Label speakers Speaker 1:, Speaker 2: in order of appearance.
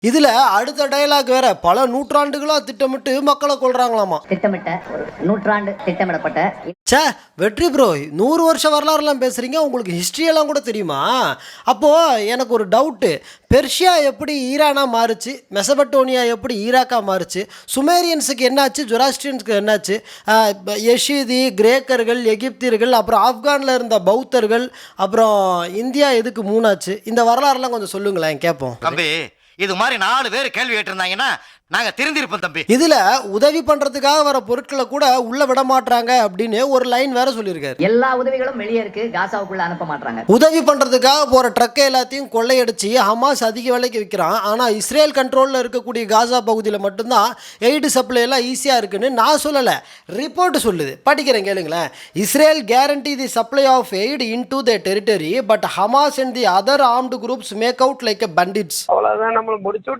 Speaker 1: இதுல அடுத்த டயலாக் வேற, பல நூற்றாண்டுகளா திட்டமிட்டு மக்களை கொல்றாங்களாமா.
Speaker 2: திட்டமிட்ட ஒரு நூற்றாண்டு திட்டமிடப்பட்ட
Speaker 1: சே வெற்றி ப்ரோ, 100 வருஷ வரலாறுலாம் பேசுறீங்க, உங்களுக்கு ஹிஸ்ட்ரி எல்லாம் கூட தெரியுமா? அப்போ எனக்கு ஒரு டவுட்டு, பெர்ஷியா எப்படி ஈரானா மாறுச்சு, மெசபட்டோனியா எப்படி ஈராக்கா மாறுச்சு, சுமேரியன்ஸுக்கு என்னாச்சு, ஜொராஸ்ட்ரியன்ஸுக்கு என்னாச்சு, யஷீதி, கிரேக்கர்கள், எகிப்தியர்கள், அப்புறம் ஆப்கானில் இருந்த பௌத்தர்கள், அப்புறம் இந்தியா எதுக்கு மூணாச்சு, இந்த வரலாறுலாம் கொஞ்சம் சொல்லுங்களேன் கேட்போம்.
Speaker 3: தம்பி இது மாதிரி 4 பேர் கேள்வி கேட்டிருந்தாங்கன்னா நாங்க திருந்திருப்போம் தம்பி.
Speaker 1: இதுல உதவி பண்றதுக்காக வர பொருட்களை கூட உள்ள விட மாட்டாங்க அப்படின்னு ஒரு லைன் வேற சொல்லியிருக்காரு.
Speaker 2: எல்லா உதவிகளும் வெளியே இருக்கு, காசாவுக்குள்ள அனுப்ப மாட்டாங்க.
Speaker 1: உதவி பண்றதுக்காக போற ட்ரக்கை எல்லாத்தையும் கொள்ளையடிச்சு ஹமாஸ் அதிக விலைக்கு விற்கிறான். ஆனா இஸ்ரேல் கண்ட்ரோல்ல இருக்கக்கூடிய காசா பகுதியில் மட்டும்தான் எய்டு சப்ளை எல்லாம் ஈஸியா இருக்குன்னு நான் சொல்லல, ரிப்போர்ட் சொல்லுது. படிக்கிறேன் கேளுங்களேன். Israel guarantee the supply of aid into their territory, but Hamas and the other armed groups make out like a bandits.
Speaker 4: அவ்வளவுதான், நம்மள முடிச்சு